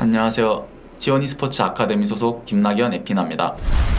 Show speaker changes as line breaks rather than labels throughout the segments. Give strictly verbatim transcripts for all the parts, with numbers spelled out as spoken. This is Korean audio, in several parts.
안녕하세요. 티원 e스포츠 아카데미 소속 김낙연 에피나입니다.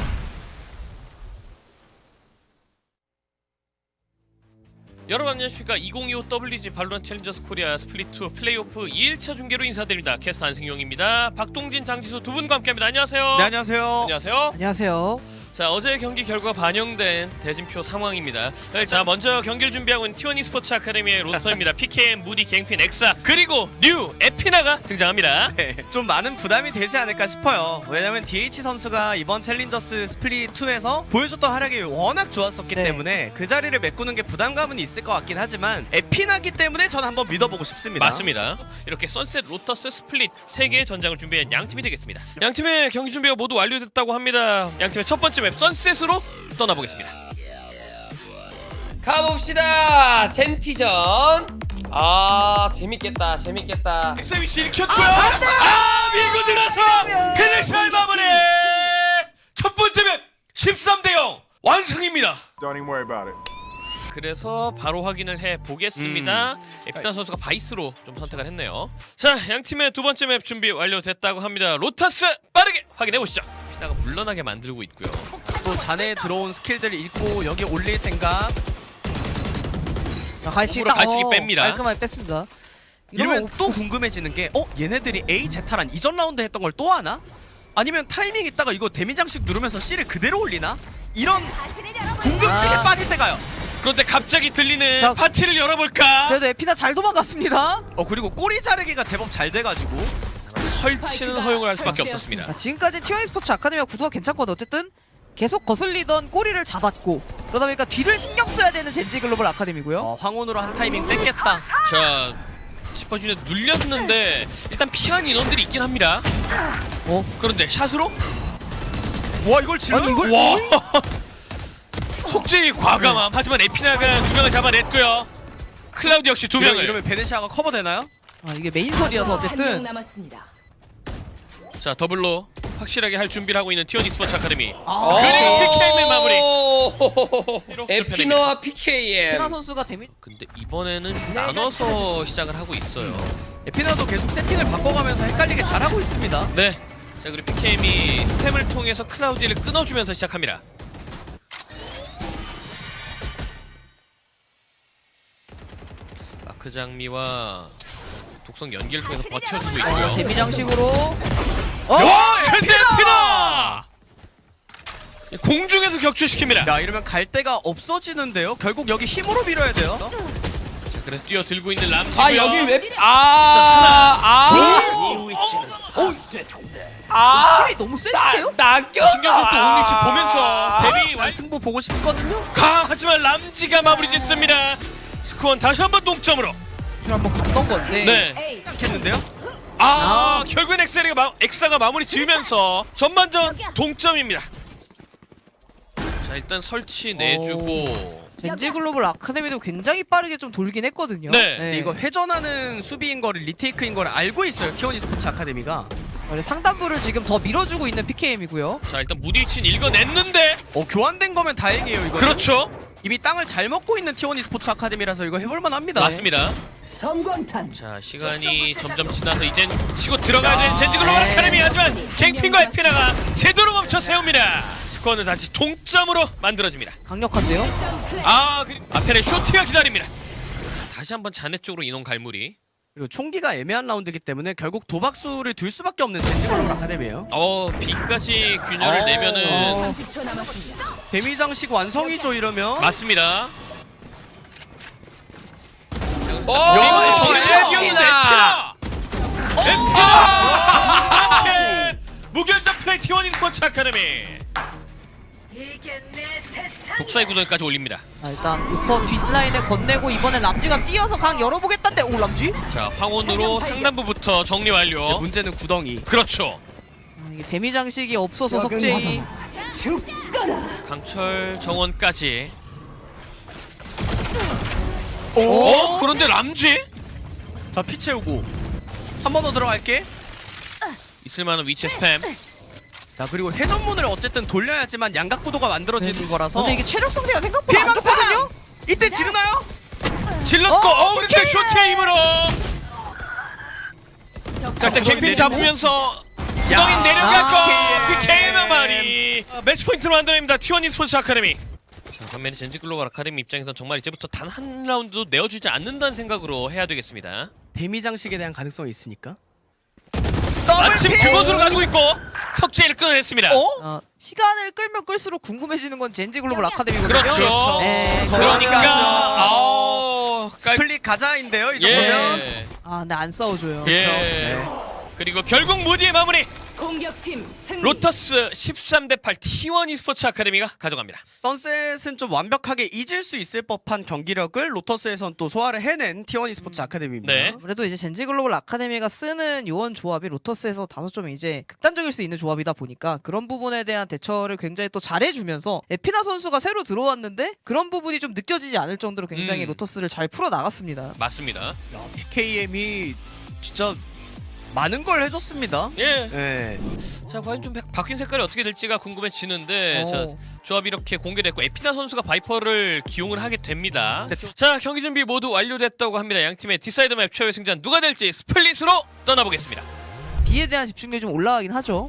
여러분 안녕하십니까. 이천이십오 더블유지 발로란트 챌린저스 코리아 스플릿 투 플레이오프 이 일차 중계로 인사드립니다. 캐스트 안승용입니다. 박동진, 장지수 두 분과 함께합니다. 안녕하세요.
네, 안녕하세요.
안녕하세요.
안녕하세요.
자, 어제 경기 결과 반영된 대진표 상황입니다. 자, 먼저 경기를 준비하고 있는 티원 e스포츠 아카데미의 로스터입니다. 피케이엠, 무디, 갱핀, 엑사, 그리고 뉴 에피나가 등장합니다.
네, 좀 많은 부담이 되지 않을까 싶어요. 왜냐면 디에이치 선수가 이번 챌린저스 스플릿 투에서 보여줬던 활약이 워낙 좋았었기
네.
때문에 그 자리를 메꾸는 게 부담감은 있을 것 같긴 하지만 에피나기 때문에 전 한번 믿어보고 싶습니다.
맞습니다. 이렇게 선셋, 로터스, 스플릿 세 개의 전장을 준비한 양 팀이 되겠습니다. 양 팀의 경기 준비가 모두 완료됐다고 합니다. 양 팀의 첫 번째 맵 선셋으로 떠나보겠습니다.
가봅시다. 젠티전. 아 재밌겠다 재밌겠다.
엑사 위치 일으켰고요. 아, 아 밀고 들어서 페네시아의 마무리. 첫 번째 맵 십삼 대 영 완승입니다.
Don't even worry about it.
그래서 바로 확인을 해 보겠습니다.
음.
에피나 선수가 바이스로 좀 선택을 했네요. 자, 양 팀의 두 번째 맵 준비 완료됐다고 합니다. 로타스 빠르게 확인해 보시죠. 피나가 물러나게 만들고 있고요.
또 잔에 들어온 스킬들 읽고 여기 올릴 생각.
자, 갈치기
쪽으로
딱
갈치기
어,
뺍니다.
깔끔하게 뺐습니다.
이러면
오-
또 궁금해지는 게 어? 얘네들이 A, 제타란 이전 라운드 했던 걸 또 하나? 아니면 타이밍 있다가 이거 데미장식 누르면서 C를 그대로 올리나? 이런 궁금증에
아.
빠질 때가요.
그런데 갑자기 들리는
자,
파티를 열어볼까?
그래도 에피나 잘 도망갔습니다.
어 그리고 꼬리 자르기가 제법 잘 돼가지고
설치는 허용을 할 수밖에 없었습니다.
아, 지금까지 티원 e스포츠 아카데미가 구도가 괜찮거든. 어쨌든 계속 거슬리던 꼬리를 잡았고 그러다 보니까 뒤를 신경 써야 되는 젠지 글로벌 아카데미고요.
어, 황혼으로 한 타이밍 뺏겠다.
자, 짚어주에 눌렸는데 일단 피한 인원들이 있긴 합니다.
어?
그런데 샷으로?
와 이걸 질러?
아니, 이걸-
와! 속죄의 과감함. 하지만 에피나가 두 명을 잡아냈고요. 클라우드 역시 두
이러면,
명을.
이러면 베네시아가 커버되나요?
아, 이게 메인설이어서 어쨌든
남았습니다.
자, 더블로 확실하게 할 준비를 하고 있는 티원 e스포츠 아카데미.
아,
그리고 피케이엠의 마무리.
오, 에피너와 피케이엠.
에피나 선수가 재미
근데 이번에는 좀 나눠서 시작을 하고 있어요.
에피나도 계속 세팅을 바꿔가면서 헷갈리게 잘하고 있습니다.
네. 자, 그리고 피케이엠이 스팸을 통해서 클라우디를 끊어주면서 시작합니다. 마크 장미와 독성 연기를 통해서 버텨주고 있고요.
어, 데미 장식으로 어?
근데 에피나! 공중에서 격추시킵니다.
야 이러면 갈 데가 없어지는데요. 결국 여기 힘으로 밀어야 돼요.
자, 그래서 뛰어들고 있는 람지고요.
아 여기 왜? 아아 아.
힘이 너무 센데요?
낚여.
신경도 또 올리지 보면서 데뷔
난
완
승부 보고 싶거든요.
강하지만 람지가 마무리 짓습니다. 스코어는 다시 한번 동점으로.
한번 갔던 건데.
네.
했는데요.
아, 결국엔 엑셀이 마, 엑사가 마무리 지으면서 전반전 동점입니다. 자, 일단 설치 내주고.
젠지 글로벌 아카데미도 굉장히 빠르게 좀 돌긴 했거든요.
네.
근데 이거 회전하는 수비인 거를 리테이크인 거를 알고 있어요. 티원 e스포츠 아카데미가.
원래 상단부를 지금 더 밀어주고 있는 피케이엠이고요.
자, 일단 무디치는 읽어냈는데.
어 교환된 거면 다행이에요. 이거.
그렇죠.
이미 땅을 잘 먹고 있는 티원 e스포츠 아카데미라서 이거 해볼만 합니다.
맞습니다.
성광탄.
자, 시간이 점점 지나서 이젠 치고 들어가야 되는 젠지 글로벌 아카데미. 하지만 갱핀과 에피나가 제대로 멈춰 세웁니다. 스코어는 다시 동점으로 만들어집니다.
강력한데요?
아, 그 앞에는 쇼트가 기다립니다. 다시 한번 자네 쪽으로 인원 갈무리.
그리고 총기가 애매한 라운드이기 때문에 결국 도박수를 둘 수밖에 없는 젠지 글로벌 아카데미예요.
어, B까지 균열을
어,
내면은
어.
삼십 초 남았습니다.
데미 장식 완성이죠 이러면.
맞습니다.
오,
에피나! 에피나! 무상캐! 무결점 플레이 티원 e스포츠 아카데미.
이게 내 세상.
독사의 구덩이까지 올립니다.
아, 일단 우퍼 뒷라인에 건네고 이번에 람지가 뛰어서 강 열어보겠다는데 오 람지?
자, 황혼으로 상단부부터 정리 완료.
문제는 구덩이.
그렇죠.
아, 이게 데미 장식이 없어서 석재이
강철 정원까지.
오?
어? 그런데 람지?
자 피 채우고 한 번 더 들어갈게.
있을만한 위치 스팸.
자 그리고 회전문을 어쨌든 돌려야지만 양각 구도가 만들어지는 거라서.
근데 이게 체력 상태가 생각보다 안
피해망상!
좋거든요?
이때 지르나요?
질렀고
어,
어, 그런데
오케이!
쇼트의 힘으로 자, 일단 갱핀
내리고.
잡으면서 구덩이
야,
내려가고
아,
피케이엠 마리 매치 포인트로 만들어냅니다. 티원이 스포츠 아카데미. 자, 반면에 젠지 글로벌 아카데미 입장에선 정말 이제부터 단 한 라운드도 내어주지 않는다는 생각으로 해야 되겠습니다.
데미 장식에 대한 가능성이 있으니까.
마침 그것으로 가지고 있고 석재를 끊어냈습니다.
어?
어, 시간을 끌면 끌수록 궁금해지는 건 젠지 글로벌 아카데미거든요.
그렇죠.
그렇죠.
네,
그러니까
그러니까죠.
아우 깔...
스플릿 가자인데요, 이 정도면.
예.
아, 근데 안 싸워줘요.
예.
네.
그리고 결국 무디의 마무리.
공격팀 승리.
로터스 십삼 대 팔 티원 e스포츠 아카데미가 가져갑니다.
선셋은 좀 완벽하게 잊을 수 있을 법한 경기력을 로터스에선 또 소화를 해낸 티원 e스포츠 아카데미입니다.
네.
그래도 이제 젠지 글로벌 아카데미가 쓰는 요원 조합이 로터스에서 다소 좀 이제 극단적일 수 있는 조합이다 보니까 그런 부분에 대한 대처를 굉장히 또 잘해주면서 에피나 선수가 새로 들어왔는데 그런 부분이 좀 느껴지지 않을 정도로 굉장히
음.
로터스를 잘 풀어 나갔습니다.
맞습니다.
야, 피케이엠이 진짜 많은 걸 해줬습니다.
예.
네.
자, 과연 좀 바- 바뀐 색깔이 어떻게 될지가 궁금해지는데
오.
자, 조합이 이렇게 공개됐고 에피나 선수가 바이퍼를 기용을 하게 됩니다.
네.
자, 경기 준비 모두 완료됐다고 합니다. 양 팀의 디사이드 맵 최후의 승자는 누가 될지 스플릿으로 떠나보겠습니다.
B에 대한 집중력이 좀 올라가긴 하죠.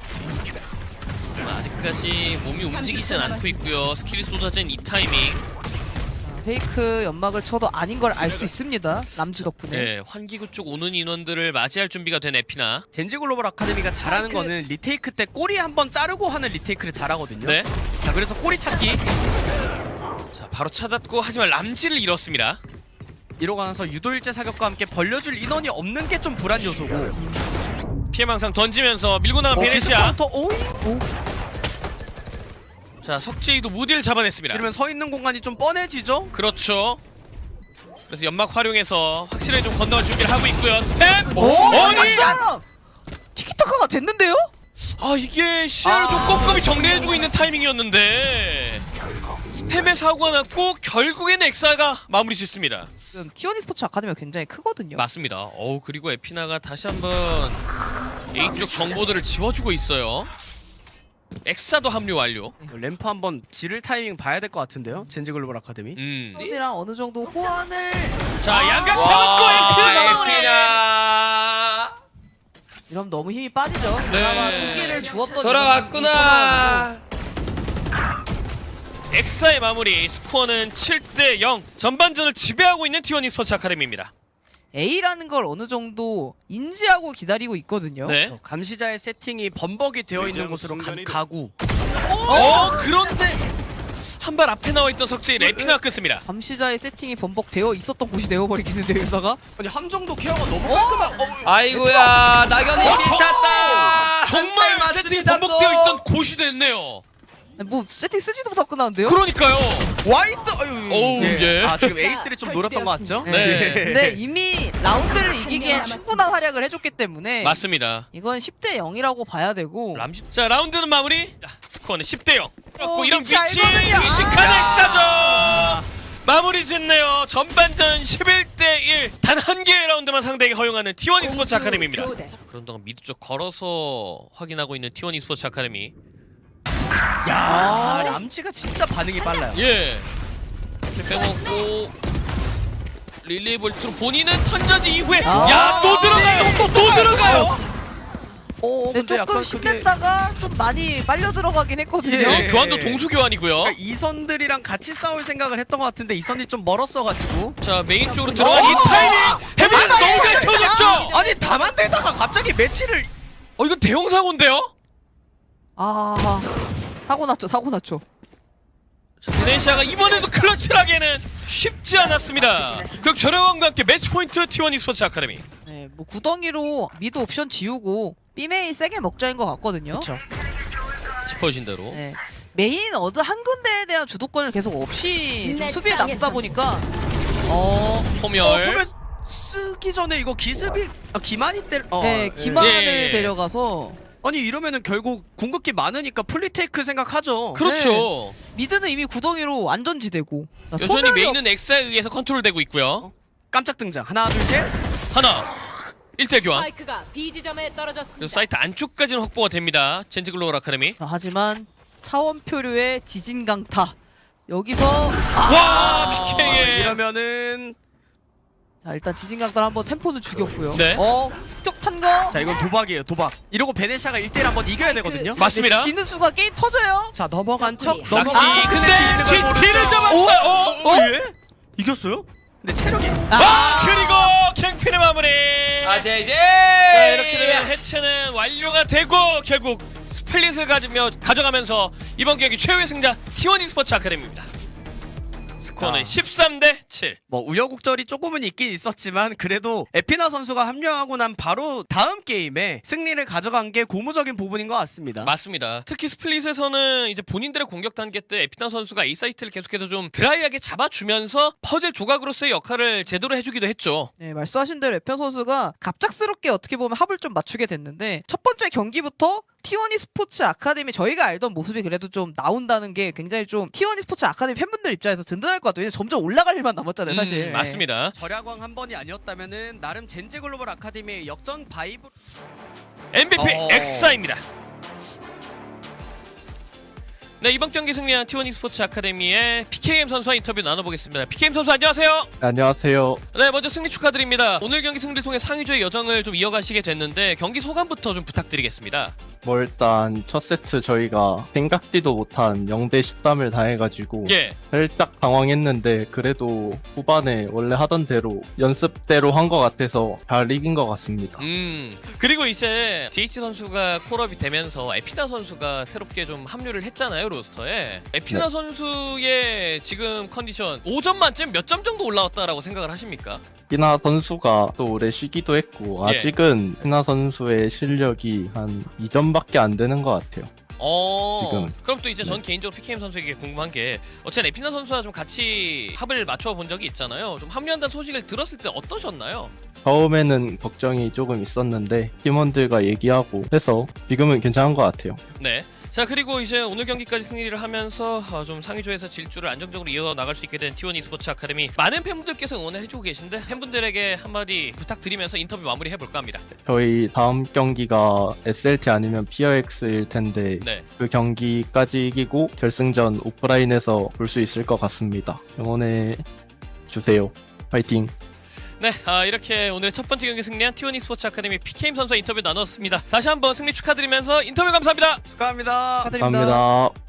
아직까지 몸이 움직이진 않고 있고요. 스킬이 쏟아진 이 타이밍.
아, 페이크 연막을 쳐도 아닌 걸 알 수 있습니다. 남주 덕분에.
네, 환기구 쪽 오는 인원들을 맞이할 준비가 된 에피나.
젠지 글로벌 아카데미가 잘하는 거는 리테이크 때 꼬리 한번 자르고 하는 리테이크를 잘하거든요.
네.
자, 그래서 꼬리 찾기.
자, 바로 찾았고 하지만 람지를 잃었습니다.
이러가면서 유도일제 사격과 함께 벌려줄 인원이 없는 게 좀 불안 요소고.
피해망상 던지면서 밀고 나간
어, 기습
베네시아.
카운터. 오이?
자, 석재이도 무디를 잡아냈습니다.
이러면 서 있는 공간이 좀 뻔해지죠?
그렇죠. 그래서 연막 활용해서 확실하게 좀 건너갈 준비를 하고 있고요. 스텝!
오!
아니!
아! 티키타카가 됐는데요?
아, 이게 시야를 좀
아.
꼼꼼히 정리해주고 있는 타이밍이었는데 스팸의 사고가 났고 결국에는 엑사가 마무리 짓습니다.
지금 티원 e스포츠 아카데미가 굉장히 크거든요.
맞습니다. 어우, 그리고 에피나가 다시 한번 A 쪽 정보들을 지워주고 있어요. 엑사도 합류 완료.
그 램프 한번 지를 타이밍 봐야 될 것 같은데요? 젠지 글로벌 아카데미.
음.
이랑 어느 정도 호환을
자, 양각 잡았고 에피나 마무리.
에피나
이러면 너무 힘이 빠지죠.
네.
그나마 총기를 주었던
돌아왔구나.
엑사의 마무리. 스코어는 칠 대 영. 전반전을 지배하고 있는 티원 e스포츠 아카데미입니다.
A라는 걸 어느 정도 인지하고 기다리고 있거든요.
네.
그렇죠. 감시자의 세팅이 범벅이 되어 있는 곳으로 가, 가구.
어, 그런데 한 발 앞에 나와 있던 석재이 에피나 끊습니다.
감시자의 세팅이 번복되어 있었던 곳이 되어버리겠는데요, 이러다가?
아니 함정도 케어가 너무 깔끔한. 어,
아이고야 나경이
어?
비탔다.
정말
한발
세팅이
맞습니다,
번복되어
또.
있던 곳이 됐네요.
아니, 뭐 세팅 쓰지도 못하고 끝나는데요?
그러니까요.
와이드. 아유,
어우, 예.
아 지금 에이스를 좀 노렸던 것 같죠?
네.
네.
근데 이미 라운드를 이기기엔 충분한 활약을 해줬기 때문에
맞습니다.
이건 십 대 영이라고 봐야 되고
람지. 자, 라운드는 마무리. 자, 스코어는 십 대 영. 그렇고
어,
이런
위치
위치
알거든요.
위식한
아.
엑사죠. 마무리 짓네요. 전반전 십일 대 일. 단 한 개의 라운드만 상대에게 허용하는 티원 e스포츠 아카데미입니다.
교대.
그런 동안 미드 쪽 걸어서 확인하고 있는 티원 e스포츠 아카데미.
야, 람지가 진짜 반응이 빨라요.
예. 빼먹고 릴레이 볼트로 본인은 턴저지 이후에
아.
야, 또 들어가요. 또, 또 들어가요.
어,
근데 조금
약간 그게-
신냈다가 좀 많이 빨려 들어가긴 했거든요.
예.
어, 교환도 동수 교환이고요.
그러니까 이선들이랑 같이 싸울 생각을 했던 것 같은데 이선이 좀 멀었어가지고.
자, 메인 쪽으로 들어간 이 타이밍. 해빈
아,
너무 잘
야.
쳐줬죠.
아니 다 만들다가 갑자기 매치를.
어, 이건 대형 사고인데요.
아 사고 났죠, 사고 났죠.
자, 베네시아가 이번에도 클러치를 하기에는 쉽지 않았습니다. 그 저렴함과 함께 매치 포인트 티원 e스포츠 아카데미.
네, 뭐 구덩이로 미드 옵션 지우고 B메인 세게 먹자인 것 같거든요.
그렇죠.
짚어진 대로.
네. 메인 어느 한 군데에 대한 주도권을 계속 없이 좀
내
수비에
땅에서.
나서다 보니까 어,
소멸.
어, 소매 쓰기 전에 이거 기습이 아, 기만이 때. 어,
네,
예.
기만을
예.
데려가서
아니 이러면은 결국 궁극기 많으니까 플리테이크 생각하죠.
그렇죠.
미드는 이미 구덩이로 안전지대고 그러니까
여전히
소멸이
메인은 엑사에 의해서 컨트롤되고 있고요.
깜짝 등장. 하나 둘 셋.
하나. 일 대 교환.
스파이크가 B 지점에
그리고
떨어졌습니다.
사이트 안쪽까지는 확보가 됩니다. 젠지 글로벌 아카데미.
어, 하지만 차원표류의 지진 강타 여기서
와,
아,
피케이의
이러면은
자 일단 지진강달 한번 템포는 죽였고요.
네.
어 습격탄 거.
자 이건 도박이에요 도박. 이러고 베네시아가 일 대일 한번 이겨야 되거든요.
맞습니다.
근데 지는 순간 게임 터져요.
자 넘어간 척
낚시,
넘어간
낚시
척
근데
있는 걸
지지를
모르죠.
잡았어요. 어?
어? 예? 이겼어요? 근데 체력이
아 그리고 갱핀의 마무리.
아 제이제.
자 이렇게 되면 해체는 완료가 되고 결국 스플릿을 가지며 가져가면서 이번 경기 최후의 승자 티원 e스포츠 아카데미입니다. 스코어는
아.
십삼 대 칠.
뭐 우여곡절이 조금은 있긴 있었지만 그래도 에피나 선수가 합류하고 난 바로 다음 게임에 승리를 가져간 게 고무적인 부분인 것 같습니다.
맞습니다. 특히 스플릿에서는 이제 본인들의 공격 단계 때 에피나 선수가 A 사이트를 계속해서 좀 드라이하게 잡아주면서 퍼즐 조각으로서의 역할을 제대로 해주기도 했죠.
네 말씀하신 대로 에편 선수가 갑작스럽게 어떻게 보면 합을 좀 맞추게 됐는데 첫 번째 경기부터 티원 e스포츠 아카데미 저희가 알던 모습이 그래도 좀 나온다는 게 굉장히 좀 티원 e스포츠 아카데미 팬분들 입장에서 든든할 것 같아요. 왜냐면 점점 올라갈 일만 남았잖아요 사실.
음, 맞습니다.
절야광 한 번이 아니었다면은 나름 젠지 글로벌 아카데미의 역전 바이브
엠브이피
어.
엑사입니다. 네 이번 경기 승리한 티원 e스포츠 아카데미의 피케이엠 선수와 인터뷰 나눠보겠습니다. 피케이엠 선수 안녕하세요.
안녕하세요.
네 먼저 승리 축하드립니다. 오늘 경기 승리를 통해 상위조의 여정을 좀 이어가시게 됐는데 경기 소감부터 좀 부탁드리겠습니다.
뭐 일단 첫 세트 저희가 생각지도 못한 영 대 십삼을 당해가지고
예.
살짝 당황했는데 그래도 후반에 원래 하던 대로 연습대로 한 것 같아서 잘 이긴 것 같습니다.
음 그리고 이제 디에이치 선수가 콜업이 되면서 에피나 선수가 새롭게 좀 합류를 했잖아요 로스터에. 에피나
네.
선수의 지금 컨디션 오 점 만점 몇 점 정도 올라왔다라고 생각을 하십니까?
피나 선수가 또 오래 쉬기도 했고
예.
아직은 피나 선수의 실력이 한 이 점밖에 안 되는 것 같아요.
어
지금.
그럼 또 이제 전
네.
개인적으로 피케이엠 선수에게 궁금한 게 어쨌든 에피나 선수와 좀 같이 합을 맞춰 본 적이 있잖아요. 좀 합류한다는 소식을 들었을 때 어떠셨나요?
처음에는 걱정이 조금 있었는데 팀원들과 얘기하고 해서 지금은 괜찮은 것 같아요.
네. 자 그리고 이제 오늘 경기까지 승리를 하면서 어, 좀 상위조에서 질주를 안정적으로 이어 나갈 수 있게 된 티원 e스포츠 아카데미 많은 팬분들께서 응원을 해주고 계신데 팬분들에게 한마디 부탁드리면서 인터뷰 마무리 해볼까 합니다.
저희 다음 경기가 에스엘티 아니면 피어엑스일 텐데
네.
그 경기까지 이기고 결승전 오프라인에서 볼 수 있을 것 같습니다. 응원해 주세요. 파이팅!
네, 아, 이렇게 오늘의 첫 번째 경기 승리한 티원 e스포츠 아카데미 피케이엠 선수와 인터뷰 나눴습니다. 다시 한번 승리 축하드리면서 인터뷰 감사합니다.
축하합니다.
축하드립니다.
감사합니다.